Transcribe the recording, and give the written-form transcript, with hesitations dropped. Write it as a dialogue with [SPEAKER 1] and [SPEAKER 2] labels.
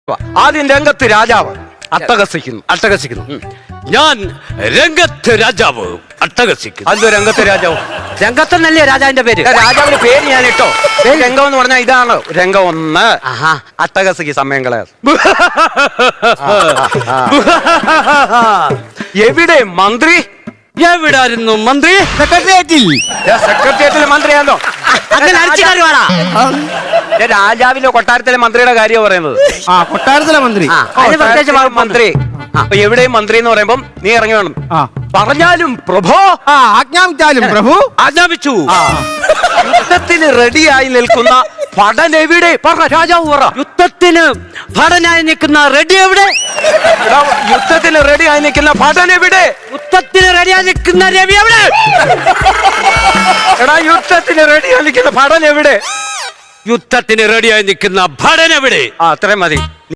[SPEAKER 1] ആദ്യം രംഗത്ത് രാജാവ് അട്ടഹസിക്കുന്നു.
[SPEAKER 2] ഞാൻ രംഗത്ത് രാജാവ് അട്ടഹസിക്കുന്നു.
[SPEAKER 1] അല്ലോ രംഗത്ത് രാജാവ്,
[SPEAKER 2] രംഗത്തെന്നല്ലേ രാജാവിന്റെ പേര്?
[SPEAKER 1] രാജാവിന്റെ പേര് ഞാൻ ഇട്ടോ. രംഗം എന്ന് പറഞ്ഞാൽ ഇതാണ്. രംഗം 1 അട്ടഹസിക്ക് സമയം കളയാ. എവിടെ മന്ത്രി?
[SPEAKER 2] എവിടായിരുന്നു മന്ത്രി?
[SPEAKER 1] സെക്രട്ടേറിയറ്റിലെ മന്ത്രിയാണോ?
[SPEAKER 2] അങ്ങനെ അടിച്ചുകാരി വേണ.
[SPEAKER 1] രാജാവിന്റെ കൊട്ടാരത്തിലെ മന്ത്രിയുടെ കാര്യം പറയുന്നത്.
[SPEAKER 3] കൊട്ടാരത്തിലെ മന്ത്രി.
[SPEAKER 1] മന്ത്രി എവിടെയും മന്ത്രി എന്ന് പറയുമ്പം നീ ഇറങ്ങി വേണം. പറഞ്ഞാലും പ്രഭോ.
[SPEAKER 3] ആജ്ഞാപിച്ചാലും പ്രഭു.
[SPEAKER 2] ആജ്ഞാപിച്ചു.
[SPEAKER 1] യുദ്ധത്തിന് റെഡിയായി നിൽക്കുന്ന ഭടൻ എവിടെ? പറഞ്ഞ രാജാവ് പറ.
[SPEAKER 2] യുദ്ധത്തിന് ഭടനായി നിൽക്കുന്ന റെഡി എവിടെ?
[SPEAKER 1] യുദ്ധത്തിന് റെഡിയായി നിൽക്കുന്ന ഭടൻ എവിടെ?
[SPEAKER 2] യുദ്ധത്തിന് റെഡിയായി നിൽക്കുന്ന രവി എവിടെ?
[SPEAKER 1] എടാ യുദ്ധത്തിന് റെഡിയായി നിൽക്കുന്ന ഭടൻ എവിടെ?
[SPEAKER 2] യുദ്ധത്തിന് റെഡിയായി നിൽക്കുന്ന ഭടൻ എവിടെ?
[SPEAKER 1] അത്രയും മതി.